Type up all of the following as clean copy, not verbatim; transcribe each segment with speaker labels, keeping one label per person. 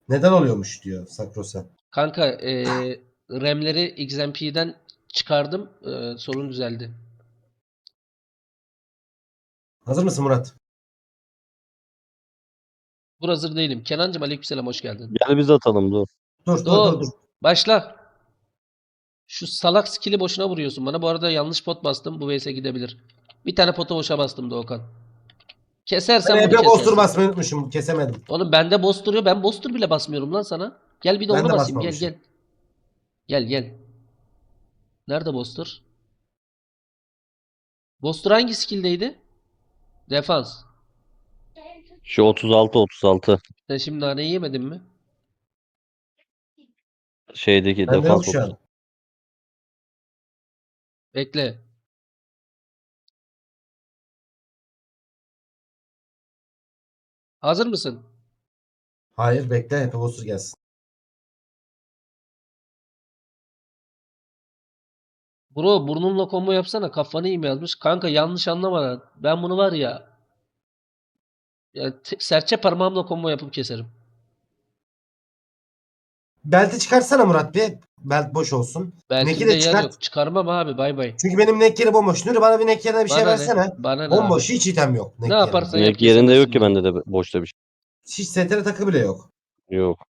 Speaker 1: Neden oluyormuş diyor Sakrosa.
Speaker 2: Kanka RAM'leri XMP'den çıkardım. Sorun düzeldi.
Speaker 1: Hazır mısın Murat?
Speaker 2: Dur hazır değilim. Kenancığım aleykümselam hoş geldin.
Speaker 3: Gel biz atalım dur.
Speaker 1: Dur.
Speaker 2: Başla. Şu salak skill'i boşuna vuruyorsun bana. Bu arada yanlış pot bastım. Bu vs gidebilir. Bir tane pota boşa bastım Doğukan.
Speaker 1: Ben
Speaker 2: Kesersen bunu
Speaker 1: Ebe Bostur
Speaker 2: kesersin.
Speaker 1: basmayı unutmuşum. Kesemedim.
Speaker 2: Oğlum bende boss duruyor. Ben boss dur bile basmıyorum lan sana. Gel bir de
Speaker 1: Ben
Speaker 2: onu
Speaker 1: de
Speaker 2: basayım. Gel
Speaker 1: basmamışım.
Speaker 2: gel. Gel. Nerede boss'tur? Boss'tur hangi skill'deydi? Defans.
Speaker 3: Şu 36
Speaker 2: Sen şimdi naneyi yemedin mi?
Speaker 3: şeydeki
Speaker 1: Bende yok
Speaker 3: defans
Speaker 1: şu
Speaker 3: 30.
Speaker 1: an.
Speaker 2: Bekle. Hazır mısın?
Speaker 1: Hayır bekle. Ebe Bostur gelsin.
Speaker 2: Bro burnunla combo yapsana. Kafanı iyi mi yazmış? Kanka yanlış anlama. Ben bunu var ya serçe parmağımla combo yapıp keserim.
Speaker 1: Belti çıkarsana Murat bir. Belt boş olsun. Neki
Speaker 2: Beltimde
Speaker 1: de
Speaker 2: yer
Speaker 1: çıkart.
Speaker 2: yok. Çıkarmam abi bay bay.
Speaker 1: Çünkü benim neck yeri bomboş. Nuri bana bir neck yerine bir şey
Speaker 2: Bana ne?
Speaker 1: versene.
Speaker 2: Bana ne abi?
Speaker 1: Bomboş. Hiç item yok
Speaker 2: Ne
Speaker 1: neck yerinde.
Speaker 2: yaparsan yap
Speaker 3: Yerinde yok
Speaker 2: kesemezsin
Speaker 3: ki
Speaker 2: beni.
Speaker 3: bende de boşta bir
Speaker 1: Hiç STR takı bile yok.
Speaker 3: şey. Yok.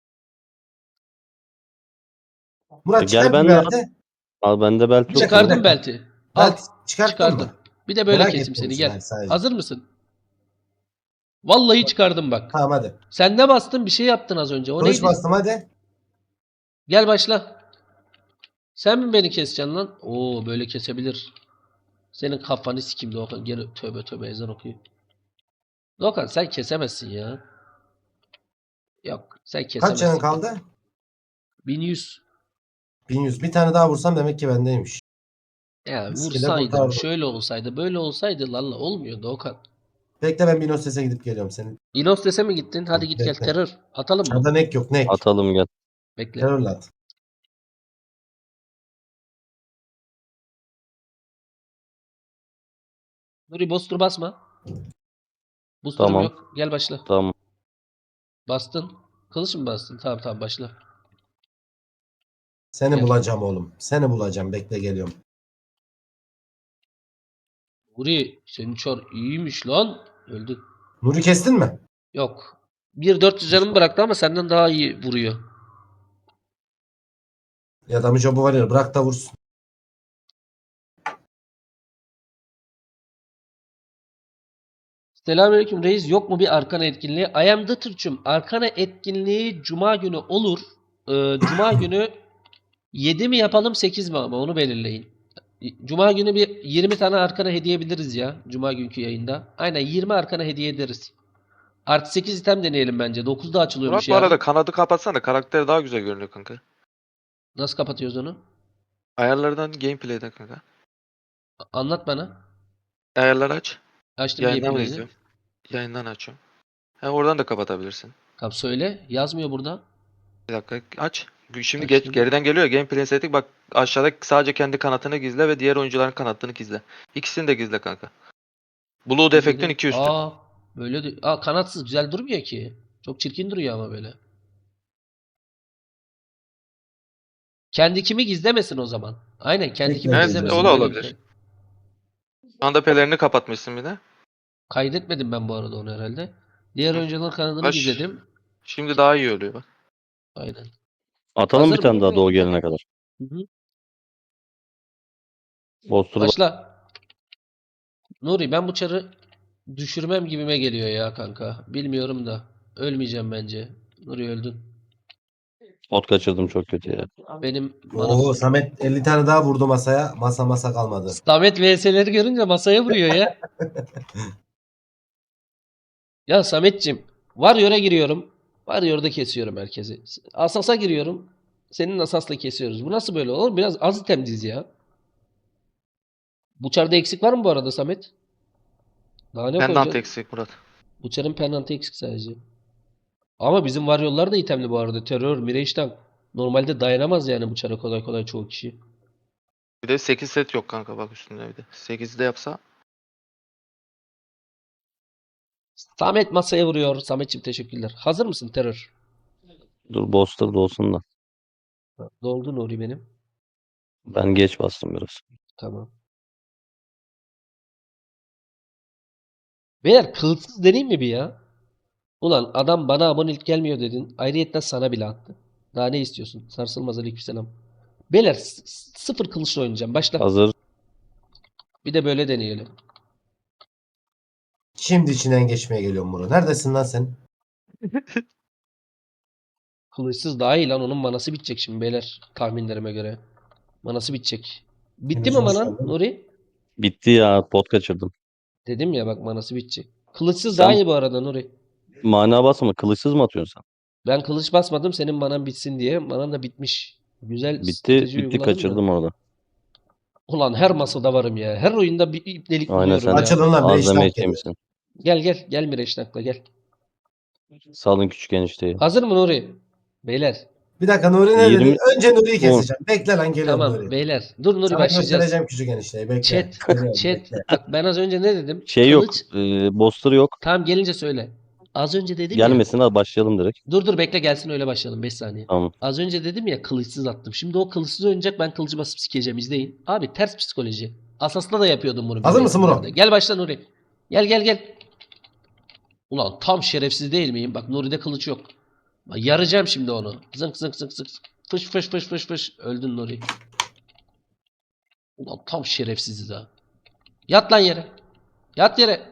Speaker 1: Murat
Speaker 3: Gel
Speaker 1: çıkart bir
Speaker 3: benle at.
Speaker 1: belti.
Speaker 3: Al bende belt
Speaker 1: Bir
Speaker 3: yok
Speaker 1: dakika, bir
Speaker 3: benim.
Speaker 2: Çıkardım
Speaker 1: dakika.
Speaker 2: belti. Al.
Speaker 1: Belt çıkarttın
Speaker 2: Çıkardım.
Speaker 1: mı?
Speaker 2: Bir de böyle
Speaker 1: Merak
Speaker 2: keseyim
Speaker 1: ettiğim
Speaker 2: seni
Speaker 1: için
Speaker 2: gel.
Speaker 1: sadece.
Speaker 2: Hazır mısın? Vallahi çıkardım bak.
Speaker 1: Tamam hadi.
Speaker 2: Sen ne bastın? Bir şey yaptın az önce. O
Speaker 1: Kılıç
Speaker 2: neydi?
Speaker 1: bastım hadi.
Speaker 2: Gel başla. Sen mi beni keseceksin lan? Oo böyle kesebilir. Senin kafanı sikeyim Doğukan. Geri tövbe ezan okuyor. Doğukan sen kesemezsin ya. Yok sen
Speaker 1: Kaç canın
Speaker 2: kesemezsin beni.
Speaker 1: kaldı?
Speaker 2: 1100.
Speaker 1: 1100. Bir tane daha vursam demek ki bendeymiş.
Speaker 2: Ya
Speaker 1: Skill'e
Speaker 2: vursaydım
Speaker 1: kurtardım.
Speaker 2: şöyle olsaydı böyle olsaydı lalla olmuyor Doğukan.
Speaker 1: Bekle ben bir sese gidip geliyorum senin.
Speaker 2: İnos dese mi gittin? Hadi git gel
Speaker 1: Bekle.
Speaker 2: terör. Atalım mı?
Speaker 1: Çarda neck yok neck.
Speaker 3: Atalım gel.
Speaker 2: Bekle.
Speaker 1: Terörle at.
Speaker 2: Nuri booster basma. Booster'ım
Speaker 3: Tamam.
Speaker 2: yok. Gel başla.
Speaker 3: Tamam.
Speaker 2: Bastın. Kılıç mı bastın? Tamam başla.
Speaker 1: Seni
Speaker 2: Gel.
Speaker 1: bulacağım oğlum. Seni bulacağım. Bekle geliyorum.
Speaker 2: Nuri senin çor iyiymiş lan. Öldü.
Speaker 1: Nuri kestin mi?
Speaker 2: Yok. 1.400 canımı bıraktı ama senden daha iyi vuruyor.
Speaker 1: Ya da Müco var ya bırak da vursun.
Speaker 2: Selamünaleyküm reis. Yok mu bir arkana etkinliği? I am the Türk'üm. Arkana etkinliği Cuma günü olur. Cuma günü 7 mi yapalım 8 mi ama onu belirleyin. Cuma günü bir 20 tane arkana hediye edebiliriz ya. Cuma günkü yayında. Aynen 20 arkana hediye ederiz. Artı 8 item deneyelim bence. 9'da açılıyormuş
Speaker 4: Murat bu arada
Speaker 2: yarın.
Speaker 4: kanadı kapatsana. Karakter daha güzel görünüyor kanka.
Speaker 2: Nasıl kapatıyoruz onu?
Speaker 4: Ayarlardan gameplay'den kanka.
Speaker 2: Anlat bana.
Speaker 4: Ayarları aç.
Speaker 2: Açtım
Speaker 4: Yayından mı
Speaker 2: gameplay'ini.
Speaker 4: izliyorum? Yayından açıyorum. Hem oradan da kapatabilirsin.
Speaker 2: Tamam söyle. Yazmıyor burada.
Speaker 4: Bir dakika aç. Şimdi
Speaker 2: Açtım.
Speaker 4: geriden geliyor. Gameplay setting bak aşağıda sadece kendi kanatını gizle ve diğer oyuncuların kanatını gizle. İkisini de gizle kanka. Blue defektin 2 üstü.
Speaker 2: Böyle de. Kanatsız güzel durmuyor ki. Çok çirkin duruyor ama böyle. Kendi kimi gizlemesin o zaman. Aynen kendi kimi
Speaker 1: Evet,
Speaker 2: gizlemesin.
Speaker 4: o da
Speaker 2: Böyle
Speaker 4: olabilir. Anda pelerini kapatmışsın bir de.
Speaker 2: Kaydetmedim ben bu arada onu herhalde. Diğer
Speaker 4: Hı.
Speaker 2: oyuncuların kanadını
Speaker 4: Baş.
Speaker 2: gizledim.
Speaker 4: Şimdi daha iyi oluyor bak.
Speaker 2: Aynen.
Speaker 3: Atalım
Speaker 2: Hazır
Speaker 3: bir tane
Speaker 2: mı?
Speaker 3: daha doğu gelene kadar.
Speaker 2: Hı hı.
Speaker 3: Bostur
Speaker 2: Başla. Nuri ben bu çarı düşürmem gibime geliyor ya kanka. Bilmiyorum da. Ölmeyeceğim bence. Nuri öldün.
Speaker 3: ot kaçırdım çok kötü ya.
Speaker 2: Benim manam.
Speaker 1: Oo Samet 50 tane daha vurdu masaya. Masa kalmadı.
Speaker 2: Samet VS'leri görünce masaya vuruyor ya. Ya Samet'cim. Warrior'a giriyorum. Warrior'da kesiyorum herkesi. Asas'a giriyorum. Senin Asas'la kesiyoruz. Bu nasıl böyle olur? Biraz az item diz ya. Bu çarda eksik var mı bu arada Samet? Daha ne
Speaker 4: Pendant
Speaker 2: koyacaksın?
Speaker 4: eksik Murat.
Speaker 2: Bu çarın penaltı eksik sadece. Ama bizim Warrior'lar da itemli bu arada. Terör, Mirage normalde dayanamaz yani bu çara kolay kolay çoğu kişi.
Speaker 4: Bir de 8 set yok kanka bak üstünde bir de. 8'i de yapsa
Speaker 2: Samet masaya vuruyor. Samet'ciğim teşekkürler. Hazır mısın terör?
Speaker 3: Dur Boster da olsun da.
Speaker 2: Doldu Nuri benim.
Speaker 3: Ben geç bastım biraz.
Speaker 2: Tamam. Beyler kılıçsız deneyim mi bir ya? Ulan adam bana abonelik gelmiyor dedin. Ayrıyetten sana bile attı. Daha ne istiyorsun? Sarsılmaz aleykümselam. Beyler sıfır kılıçla oynayacağım. Başla.
Speaker 3: Hazır.
Speaker 2: Bir de böyle deneyelim.
Speaker 1: Şimdi içinden geçmeye geliyorum Murat. Neredesin lan sen?
Speaker 2: Kılıçsız daha iyi lan. Onun manası bitecek şimdi beyler. Tahminlerime göre. Manası bitecek. Bitti
Speaker 1: Henüz
Speaker 2: mi
Speaker 1: hoş
Speaker 2: manan
Speaker 1: geldin.
Speaker 2: Nuri?
Speaker 3: Bitti ya. Pot kaçırdım.
Speaker 2: Dedim ya bak manası bitecek. Kılıçsız daha
Speaker 3: Sen
Speaker 2: iyi bu arada Nuri.
Speaker 3: mana basma. Kılıçsız mı atıyorsun sen?
Speaker 2: Ben kılıç basmadım senin manan bitsin diye. Manan da bitmiş. Güzel
Speaker 3: Bitti.
Speaker 2: strateji
Speaker 3: Bitti
Speaker 2: uyguladım da.
Speaker 3: kaçırdım orada.
Speaker 2: Ulan her masada varım ya. Her oyunda bir ipnelik
Speaker 3: Aynen
Speaker 2: buluyorum
Speaker 3: sen
Speaker 2: ya.
Speaker 1: Açılın lan bir
Speaker 3: az deme
Speaker 1: iştah geliyor.
Speaker 3: içmişsin.
Speaker 2: Gel gel. Gel Mireçnak'la gel.
Speaker 3: Salın küçük enişteyi.
Speaker 2: Hazır mı Nuri? Beyler.
Speaker 1: Bir dakika Nuri ne dedi?
Speaker 3: 20
Speaker 1: Önce Nuri'yi
Speaker 3: 10.
Speaker 1: keseceğim. Bekle lan geliyorum
Speaker 2: Tamam
Speaker 1: Nuri.
Speaker 2: beyler. Dur Nuri
Speaker 1: Sana
Speaker 2: başlayacağız.
Speaker 1: göstereceğim küçük enişteyi. Bekle.
Speaker 2: Chat.
Speaker 1: Geliyorum
Speaker 2: Chat.
Speaker 1: bekle.
Speaker 2: Bak ben az önce ne dedim?
Speaker 3: Şey yok.
Speaker 2: Kılıç.
Speaker 3: Boster yok.
Speaker 2: Tamam gelince söyle. Az önce dedim ya.
Speaker 3: Gelmesin hadi başlayalım direkt.
Speaker 2: Dur bekle gelsin öyle başlayalım 5 saniye.
Speaker 3: Tamam.
Speaker 2: Az önce dedim ya kılıçsız attım. Şimdi o kılıçsız oynayacak ben kılıcı basıp sikeceğim izleyin. Abi ters psikoloji. Asas'ta da yapıyordum bunu.
Speaker 1: Hazır mısın
Speaker 2: biliyorsunuz
Speaker 1: Murat?
Speaker 2: herhalde. Gel başla Nuri. Gel. Ulan tam şerefsiz değil miyim? Bak Nuri'de kılıç yok. Bak, yaracağım şimdi onu. Zınk zınk zınk zınk. Fış. Öldün Nuri. Ulan tam şerefsiziz ha. Yat lan yere. Yat yere.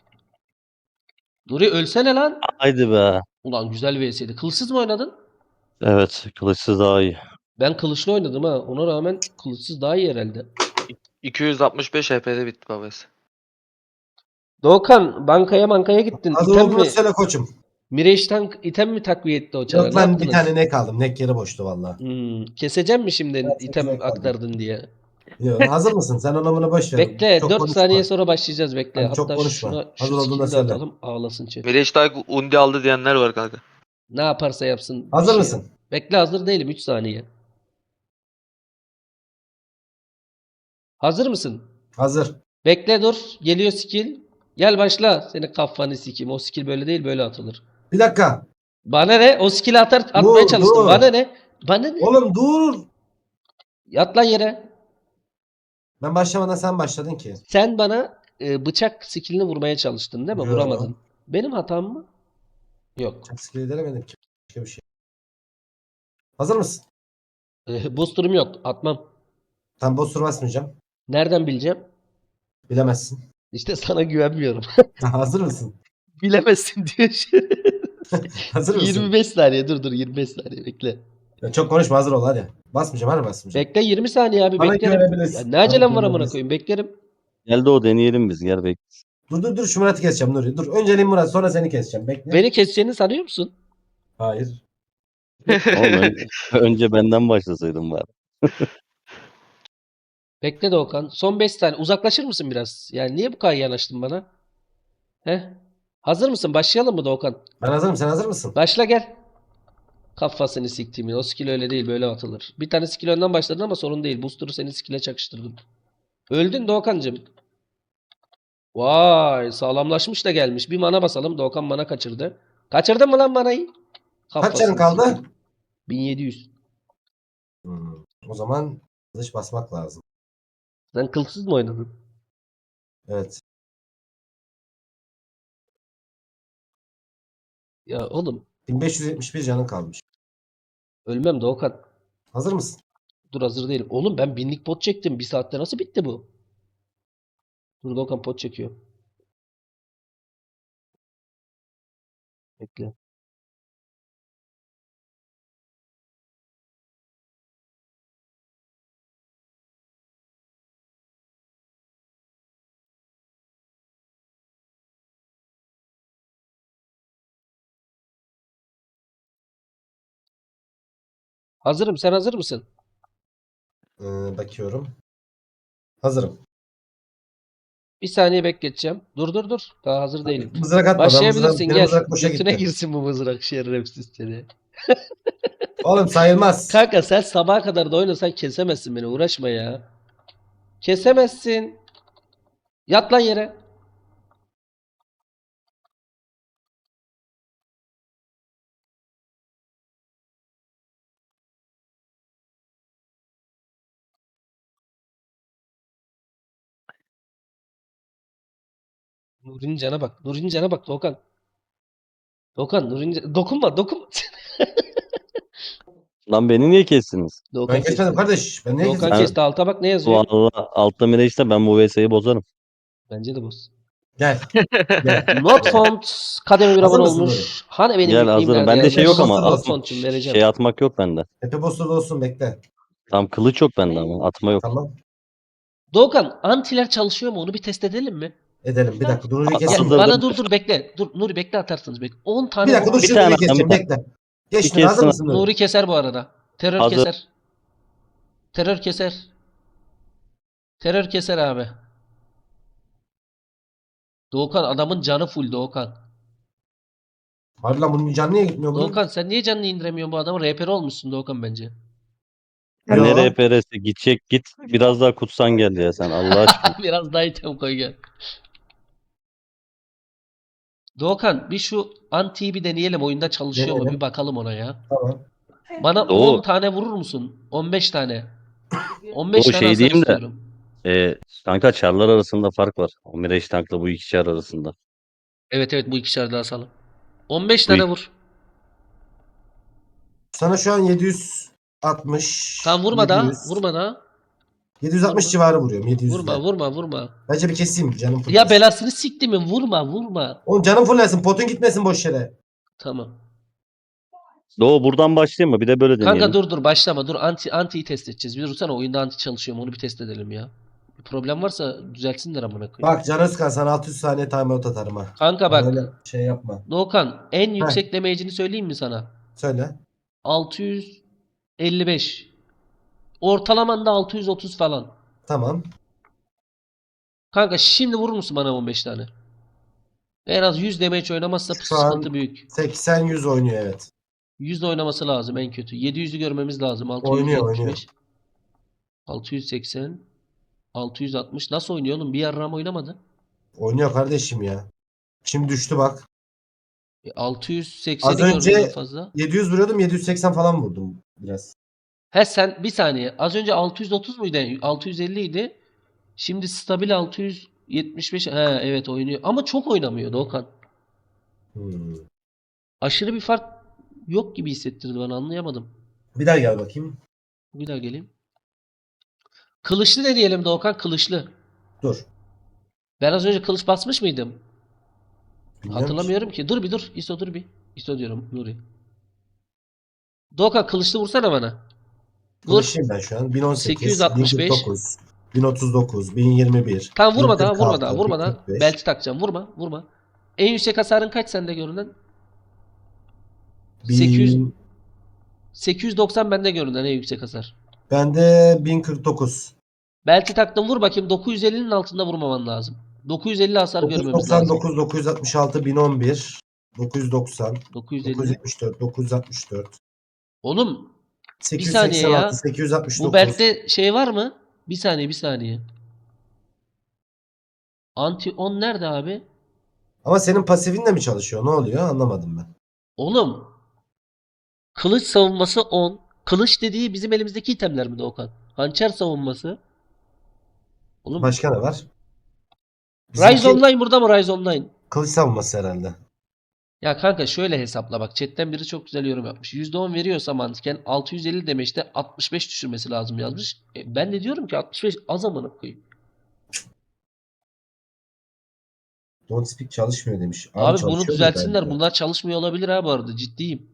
Speaker 2: Nuri ölsene lan.
Speaker 3: Haydi be.
Speaker 2: Ulan güzel vs'ydi. Kılıçsız mı oynadın?
Speaker 3: Evet. Kılıçsız daha iyi.
Speaker 2: Ben kılıçlı oynadım ha. Ona rağmen kılıçsız daha iyi herhalde.
Speaker 4: 265 HP'de bitti babası.
Speaker 2: Doğukan bankaya gittin.
Speaker 1: Hazır
Speaker 2: İtem
Speaker 1: olduğunu
Speaker 2: mi?
Speaker 1: söyle koçum.
Speaker 2: Mireç'ten item mi takviye etti o çara?
Speaker 1: Yok
Speaker 2: Ne
Speaker 1: lan bir
Speaker 2: yaptınız?
Speaker 1: tane ne kaldım. Nek yeri boştu valla.
Speaker 2: Keseceğim mi şimdi
Speaker 1: Evet,
Speaker 2: item
Speaker 1: seçecek kaldım.
Speaker 2: aktardın diye?
Speaker 1: Yok, hazır mısın? Sen ona bunu boş ver.
Speaker 2: Bekle
Speaker 1: Çok
Speaker 2: 4 saniye
Speaker 1: konuşma.
Speaker 2: sonra başlayacağız bekle.
Speaker 1: Hani çok
Speaker 2: Hatta
Speaker 1: konuşma.
Speaker 2: şuna şu
Speaker 1: Hazır olduğunda
Speaker 2: skill'i de
Speaker 1: söyle.
Speaker 2: atalım ağlasın chat.
Speaker 4: Mirage'da undi aldı diyenler var kanka.
Speaker 2: Ne yaparsa yapsın. bir
Speaker 1: Hazır
Speaker 2: şey
Speaker 1: mısın?
Speaker 2: yok. Bekle hazır değilim 3 saniye. Hazır mısın?
Speaker 1: Hazır.
Speaker 2: Bekle dur. Geliyor skill. Gel başla. Senin kafanı sikeyim. O skill böyle değil böyle atılır.
Speaker 1: Bir dakika.
Speaker 2: Bana ne? O skill'i atmaya
Speaker 1: Dur,
Speaker 2: çalıştım.
Speaker 1: dur.
Speaker 2: Bana ne? Bana ne?
Speaker 1: Oğlum dur.
Speaker 2: Yat lan yere.
Speaker 1: Ben başlamadan sen başladın ki.
Speaker 2: Sen bana bıçak skillini vurmaya çalıştın değil mi?
Speaker 1: Yo.
Speaker 2: Vuramadın. Benim hatam mı? Yok.
Speaker 1: Çok skill edemedim ki. Başka bir şey. Hazır mısın?
Speaker 2: Booster'ım yok. Atmam.
Speaker 1: Tam boss tur basmayacağım.
Speaker 2: Nereden bileceğim?
Speaker 1: Bilemezsin.
Speaker 2: İşte sana güvenmiyorum.
Speaker 1: Hazır mısın?
Speaker 2: Bilemezsin diyor.
Speaker 1: Hazır mısın?
Speaker 2: 25 saniye dur 25 saniye bekle.
Speaker 1: Ya çok konuşma hazır ol hadi. Basmayacağım hadi basmayacağım.
Speaker 2: Bekle 20 saniye abi
Speaker 1: Bana
Speaker 2: beklerim.
Speaker 1: güvenebilirsin.
Speaker 2: Ya ne acelem
Speaker 1: Bana
Speaker 2: var amına
Speaker 1: güvenebilirsin.
Speaker 2: koyayım beklerim.
Speaker 3: Geldi o deneyelim biz. Gel bek.
Speaker 1: Dur şu Murat'ı keseceğim Nuri. Dur önceliğim Murat sonra seni keseceğim. Bekle.
Speaker 2: Beni keseceğini sanıyor musun?
Speaker 1: Hayır.
Speaker 3: Oğlum önce benden başlasaydın bari.
Speaker 2: Bekle Doğukan. Son 5 saniye. Uzaklaşır mısın biraz? Yani niye bu kadar yanaştın bana? Heh. Hazır mısın? Başlayalım mı Doğukan?
Speaker 1: Ben hazırım sen hazır mısın?
Speaker 2: Başla gel. Kafasını siktiğimin. O skill öyle değil böyle atılır. Bir tane skill önden başladın ama sorun değil. Booster'ı senin skill'e çakıştırdım. Öldün Doğukancığım. Vay sağlamlaşmış da gelmiş. Bir mana basalım. Doğukan mana kaçırdı. Kaçırdın mı lan manayı?
Speaker 1: Kaç canın kaldı?
Speaker 2: sikeyim. 1700.
Speaker 1: O zaman kılıç basmak lazım.
Speaker 2: Sen kılsız mı oynadın?
Speaker 1: Evet.
Speaker 2: Ya oğlum
Speaker 1: 1571 canın kalmış.
Speaker 2: ölmem Doğukan.
Speaker 1: Hazır mısın?
Speaker 2: Dur hazır değilim. Oğlum ben binlik pot çektim. Bir saatte nasıl bitti bu? Dur Doğukan pot çekiyor. Bekle. Hazırım. Sen hazır mısın?
Speaker 1: Bakıyorum. Hazırım.
Speaker 2: Bir saniye bekleteceğim. Dur. Daha hazır değilim.
Speaker 1: Mızrak atma.
Speaker 2: Başlayabilirsin
Speaker 1: Benim
Speaker 2: gel.
Speaker 1: mızrak boşa
Speaker 2: Götüne
Speaker 1: gitti.
Speaker 2: girsin bu mızrak şerefsiz seni.
Speaker 1: Oğlum sayılmaz.
Speaker 2: Kanka sen sabaha kadar da oynasan kesemezsin beni. Uğraşma ya. Kesemezsin. Yat lan yere. Nuri'nin cana bak. Nuri'nin cana bak Doğukan. Doğukan Nuri'nin dokunma dokunma.
Speaker 3: Lan beni niye kestiniz?
Speaker 2: Doğukan
Speaker 1: Ben kesmedim
Speaker 2: kesti.
Speaker 1: kardeş. Ben niye
Speaker 2: Doğukan
Speaker 1: keseceğim?
Speaker 2: kesti. Alta bak ne yazıyor?
Speaker 3: Valla altta Mirage'de ben bu VS'yi bozarım.
Speaker 2: Bence de boz.
Speaker 1: Gel. Gel.
Speaker 2: Not
Speaker 1: Gel.
Speaker 2: found. Kademe bir
Speaker 1: Hazır
Speaker 2: abone
Speaker 1: mısın
Speaker 2: olmuş. Hani benim
Speaker 3: Gel
Speaker 2: nickname
Speaker 3: hazırım.
Speaker 2: nerede
Speaker 3: Bende şey
Speaker 2: yazmış?
Speaker 3: yok ama
Speaker 1: Not
Speaker 2: found'cum vereceğim.
Speaker 3: şey atmak yok bende.
Speaker 1: Tepe boss'ta olsun bekle.
Speaker 3: Tam kılıç yok bende ama atma yok.
Speaker 1: Tamam.
Speaker 2: Doğukan antiler çalışıyor mu? Onu bir test edelim mi?
Speaker 1: Edelim. Bir dakika. Duru'yu
Speaker 3: Gel,
Speaker 2: Gel,
Speaker 1: keseyim.
Speaker 3: hazır.
Speaker 2: bana dur bekle. Dur Nuri bekle atarsınız bekle. 10 tane
Speaker 1: Bir dakika dur
Speaker 2: vurmuş.
Speaker 3: Bir
Speaker 1: şimdi
Speaker 3: tane,
Speaker 1: keseceğim.
Speaker 3: bir
Speaker 1: Bekle. Geç
Speaker 3: Bir
Speaker 1: Nuri, hazır
Speaker 3: kessin.
Speaker 1: mısın Nuri?
Speaker 2: Nuri keser bu arada. Terör
Speaker 3: Hazır.
Speaker 2: keser. Terör keser. Terör keser abi. Doğukan adamın canı full Doğukan.
Speaker 1: Hadi lan bunun canı niye gitmiyor bunun?
Speaker 2: Doğukan sen niye canını indiremiyorsun bu adamın? RPR olmuşsun Doğukan bence.
Speaker 1: Yo.
Speaker 3: Nereye PRS'e gidecek git. Biraz daha kutsan gel ya sen Allah aşkına.
Speaker 2: Biraz daha item koy gel. Doğukan bir şu antiyi bir deneyelim. Oyunda çalışıyor mu?
Speaker 1: Deneyelim.
Speaker 2: Bir bakalım ona ya.
Speaker 1: Tamam.
Speaker 2: Bana
Speaker 3: Doğu.
Speaker 2: 10 tane vurur musun? 15 tane. 15
Speaker 3: Doğu
Speaker 2: tane
Speaker 3: şey
Speaker 2: hasar
Speaker 3: diyeyim de.
Speaker 2: istiyorum.
Speaker 3: Kanka çarlar arasında fark var. O Mirage tankla bu iki çar arasında.
Speaker 2: Evet bu ikişer daha salın. 15
Speaker 3: Bu
Speaker 2: tane
Speaker 3: iki-
Speaker 2: vur.
Speaker 1: Sana şu an 760.
Speaker 2: Tamam vurma daha.
Speaker 1: 700.
Speaker 2: Vurma daha.
Speaker 1: 760
Speaker 2: Vurma.
Speaker 1: civarı vuruyorum. 700.
Speaker 2: Vurma.
Speaker 1: Bence bir keseyim canım full.
Speaker 2: Ya belasını sikti mi? Vurma.
Speaker 1: Oğlum canım fullensin. Potun gitmesin boş yere.
Speaker 2: Tamam.
Speaker 3: Doğu buradan başlayayım mı? Bir de böyle deneyelim.
Speaker 2: Kanka dur başlama. Dur antiyi test edeceğiz. Bir dursana oyunda anti çalışıyor mu? Onu bir test edelim ya. Bir problem varsa düzeltsinler amına koyayım.
Speaker 1: Bak Can Özkan sana 600 saniye timeout atarım ha.
Speaker 2: Kanka bak.
Speaker 1: Böyle şey yapma.
Speaker 2: Doğukan en yüksek damage'ini söyleyeyim mi sana?
Speaker 1: Söyle.
Speaker 2: 655. Ortalaman da 630 falan.
Speaker 1: Tamam.
Speaker 2: Kanka şimdi vurur musun bana 15 tane? En az 100 damage oynamazsa
Speaker 1: Şu an-
Speaker 2: sıkıntı büyük.
Speaker 1: 80-100 oynuyor evet.
Speaker 2: 100 oynaması lazım en kötü. 700'ü görmemiz lazım.
Speaker 1: Oynuyor.
Speaker 2: 675. 680. 660. Nasıl oynuyor oğlum? Bir yarram oynamadı.
Speaker 1: Oynuyor kardeşim ya. Şimdi düştü bak.
Speaker 2: 680'i
Speaker 1: Az önce-
Speaker 2: gördüm en fazla.
Speaker 1: 700 vuruyordum 780 falan vurdum biraz.
Speaker 2: He sen bir saniye. Az önce 630 muydu? 650 idi. Şimdi stabil 675. He evet oynuyor. Ama çok oynamıyor Doğukan.
Speaker 1: Hmm.
Speaker 2: Aşırı bir fark yok gibi hissettirdi bana. Anlayamadım.
Speaker 1: Bir daha gel bakayım.
Speaker 2: Bir daha geleyim. Kılıçlı ne diyelim Doğukan? Kılıçlı.
Speaker 1: Dur.
Speaker 2: Ben az önce kılıç basmış mıydım?
Speaker 1: Bilmiyorum
Speaker 2: Hatırlamıyorum ki. Dur bir dur. İso dur bir. İso diyorum Nuri. Doğukan kılıçlı vursana bana. Vur.
Speaker 1: Kılıçlıyım ben şu an. 1018,
Speaker 2: 865.
Speaker 1: 1049, 1039, 1021.
Speaker 2: Tamam vurma daha
Speaker 1: 1046,
Speaker 2: vurma daha.
Speaker 1: 1045.
Speaker 2: Belti takacağım. Vurma. En yüksek hasarın kaç sende görünen? 800
Speaker 1: 1000
Speaker 2: 890 bende görünen en yüksek hasar.
Speaker 1: Bende 1049.
Speaker 2: Belti taktım vur bakayım 950'nin altında vurmaman lazım. 950 hasar görmemiz lazım.
Speaker 1: 999, 966, 1011, 990,
Speaker 2: 950.
Speaker 1: 974, 964,
Speaker 2: Oğlum saniye
Speaker 1: 886,
Speaker 2: ya.
Speaker 1: 869.
Speaker 2: bu beltte şey var mı? Bir saniye. Anti 10 nerede abi?
Speaker 1: Ama senin pasifin de mi çalışıyor? Ne oluyor? Anlamadım ben.
Speaker 2: Oğlum kılıç savunması 10. Kılıç dediği bizim elimizdeki itemler mi Doğukan? Hançer savunması. Oğlum
Speaker 1: Başka ne var?
Speaker 2: Rise
Speaker 1: Bizimki
Speaker 2: Online burada mı Rise Online?
Speaker 1: kılıç savunması herhalde.
Speaker 2: Ya kanka şöyle hesapla bak. Chatten biri çok güzel yorum yapmış. %10 veriyorsa mantıken 650 demeçte 65 düşürmesi lazım yazmış. Ben de diyorum ki 65 az amına koyayım.
Speaker 1: Don't speak çalışmıyor demiş.
Speaker 2: Abi bunu
Speaker 1: çalışıyordur
Speaker 2: düzeltsinler.
Speaker 1: bence.
Speaker 2: Bunlar çalışmıyor olabilir ha bu arada. Ciddiyim.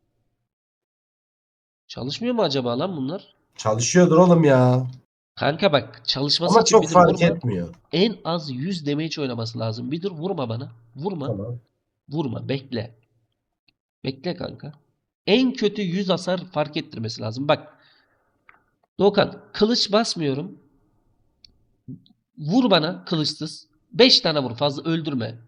Speaker 2: Çalışmıyor mu acaba lan bunlar?
Speaker 1: Çalışıyordur oğlum ya.
Speaker 2: Kanka bak çalışması
Speaker 1: Ama
Speaker 2: için
Speaker 1: çok
Speaker 2: bir dur
Speaker 1: fark
Speaker 2: vurma.
Speaker 1: etmiyor.
Speaker 2: En az 100 damage oynaması lazım. Bir dur vurma bana. Vurma.
Speaker 1: Tamam.
Speaker 2: Vurma. Bekle. Bekle kanka. En kötü 100 hasar fark ettirmesi lazım. Bak. Doğukan kılıç basmıyorum. Vur bana kılıçsız. 5 tane vur. Fazla öldürme.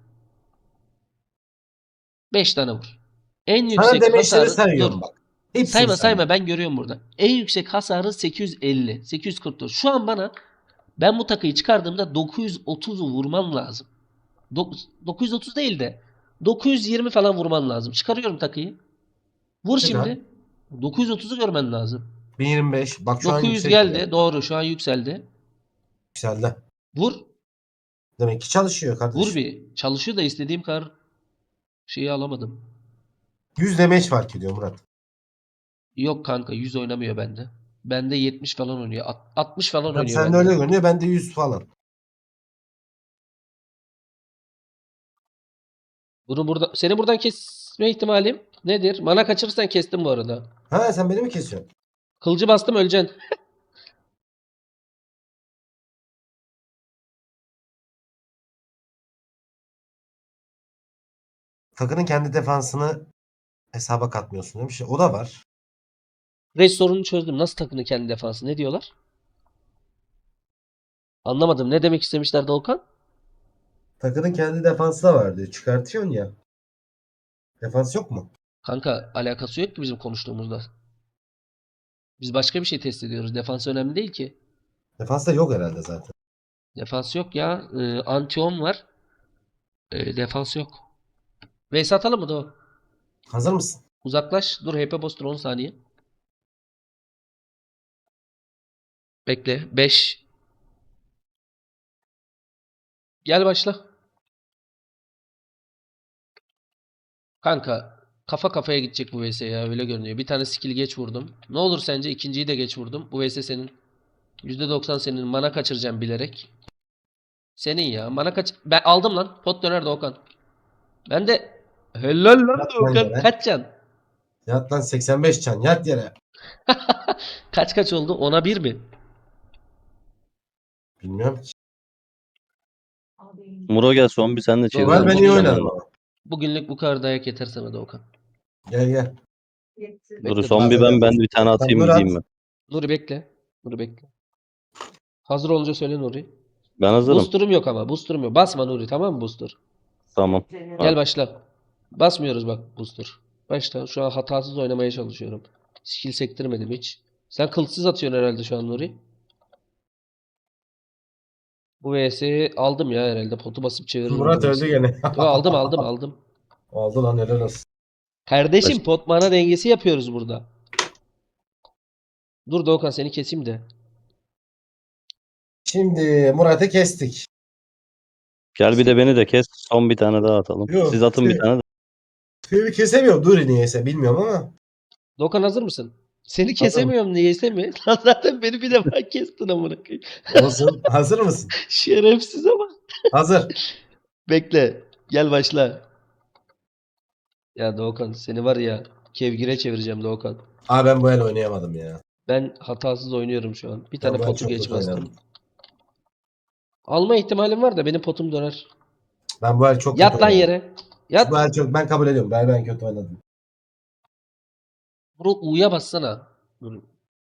Speaker 2: 5 tane vur. En
Speaker 1: Sana
Speaker 2: yüksek
Speaker 1: demeçleri
Speaker 2: hasarı
Speaker 1: sayıyorum
Speaker 2: dur.
Speaker 1: bak. Hepsini
Speaker 2: Sayma ben görüyorum burada. En yüksek hasarı 850. 844. Şu an bana ben bu takıyı çıkardığımda 930'u vurman lazım. 930 değil de 920 falan vurman lazım. Çıkarıyorum takıyı. Vur
Speaker 1: Çıkar.
Speaker 2: şimdi. 930'u görmen lazım.
Speaker 1: 1025. Bak şu an
Speaker 2: 900
Speaker 1: yüksek
Speaker 2: geldi.
Speaker 1: ya.
Speaker 2: Doğru şu an yükseldi.
Speaker 1: Yükseldi.
Speaker 2: Vur.
Speaker 1: Demek ki çalışıyor kardeşim.
Speaker 2: Vur bir. Çalışıyor da istediğim kadar şeyi alamadım.
Speaker 1: 100 damage fark ediyor Murat.
Speaker 2: Yok kanka 100 oynamıyor bende. Bende 70 falan oynuyor. 60 falan
Speaker 1: Tabii
Speaker 2: oynuyor
Speaker 1: sen de
Speaker 2: bende.
Speaker 1: öyle görünüyor. Ben de 100 falan.
Speaker 2: Bunu burada seni buradan kesme ihtimalim nedir? Mana kaçırırsan kestim bu arada.
Speaker 1: Ha sen beni mi kesiyorsun?
Speaker 2: Kılıcı bastım öleceksin.
Speaker 1: Takının kendi defansını hesaba katmıyorsun demiş. O da var.
Speaker 2: Reis sorunu çözdüm. Nasıl takını kendi defansı? Ne diyorlar? Anlamadım. Ne demek istemişler Doğukan?
Speaker 1: Takının kendi defansı da var diyor. Çıkartıyorsun ya. Defans yok mu?
Speaker 2: Kanka alakası yok ki bizim konuştuğumuzda. Biz başka bir şey test ediyoruz. Defans önemli değil ki.
Speaker 1: Defans da yok herhalde zaten.
Speaker 2: Defans yok ya. Anti-10 var. Defans yok. Vs atalım mı Doğu?
Speaker 1: Hazır mısın?
Speaker 2: Uzaklaş. Dur HP booster 10 saniye. Bekle. 5. Gel başla. Kanka kafa kafaya gidecek bu vs ya öyle görünüyor. Bir tane skill geç vurdum. Ne olur sence ikinciyi de geç vurdum. Bu vs senin. %90 senin. Mana kaçıracağım bilerek. Senin ya. Mana kaç... Ben aldım lan. Pot döner Doğukan. Ben de... Helal lan
Speaker 1: Yat lan
Speaker 2: Doğukan.
Speaker 1: yere.
Speaker 2: Kaç can?
Speaker 1: Yat lan 85 can. Yat yere.
Speaker 2: Kaç oldu? 10'a 1 mi?
Speaker 1: Bilmiyorum ki.
Speaker 3: Muro gel son bir sen de çevir.
Speaker 2: Doğru,
Speaker 1: Ben iyi
Speaker 2: bugün-
Speaker 1: oynadım ama.
Speaker 2: Bugünlük bu kadar dayak yeter sana Doğukan.
Speaker 1: Gel gel.
Speaker 3: Dur
Speaker 2: Bekle,
Speaker 3: son bir ben bir tane atayım
Speaker 1: Murat.
Speaker 3: gideyim ben.
Speaker 2: Nuri bekle. Nuri bekle. Hazır olunca söyle Nuri.
Speaker 3: Ben hazırım.
Speaker 2: Booster'ım yok ama. Booster'ım yok. Basma Nuri tamam mı booster?
Speaker 3: Tamam.
Speaker 2: Gel başla. Basmıyoruz bak booster. Başla. Şu an hatasız oynamaya çalışıyorum. Skill sektirmedim hiç. Sen kılıçsız atıyorsun herhalde şu an Nuri. Bu VS'yi aldım ya herhalde. Potu basıp çeviririm.
Speaker 1: Murat
Speaker 2: bu
Speaker 1: öldü
Speaker 2: VS'yi.
Speaker 1: gene.
Speaker 2: Yo, aldım.
Speaker 1: Oldu lan helal olsun.
Speaker 2: Kardeşim pot mana dengesi yapıyoruz burada. Dur Doğukan seni keseyim de.
Speaker 1: Şimdi Murat'ı kestik.
Speaker 3: Gel bir de beni de kes. Son bir tane daha atalım.
Speaker 1: Yok,
Speaker 3: Siz atın bir
Speaker 1: şey-
Speaker 3: tane de.
Speaker 1: Seni kesemiyorum. Dur niyeyse bilmiyorum ama.
Speaker 2: Doğukan hazır mısın? Seni kesemiyorum niyeyse mi? Lan zaten beni bir defa kestin amına koyayım.
Speaker 1: Olsun. Hazır mısın?
Speaker 2: Şerefsiz ama.
Speaker 1: Hazır.
Speaker 2: Bekle. Gel başla. Ya Doğukan seni var ya kevgire çevireceğim Doğukan.
Speaker 1: Aa ben bu el oynayamadım ya.
Speaker 2: Ben hatasız oynuyorum şu an. Bir
Speaker 1: Ben
Speaker 2: tane
Speaker 1: bu el
Speaker 2: potu
Speaker 1: çok
Speaker 2: geç
Speaker 1: kötü
Speaker 2: bastım.
Speaker 1: oynadım.
Speaker 2: Alma ihtimalim var da benim potum döner.
Speaker 1: Ben bu el çok
Speaker 2: Yat
Speaker 1: kötü
Speaker 2: lan
Speaker 1: oynadım.
Speaker 2: yere. Yat.
Speaker 1: Bu el çok ben kabul ediyorum. Ben kötü oynadım.
Speaker 2: Bunu U'ya bassana. Dur.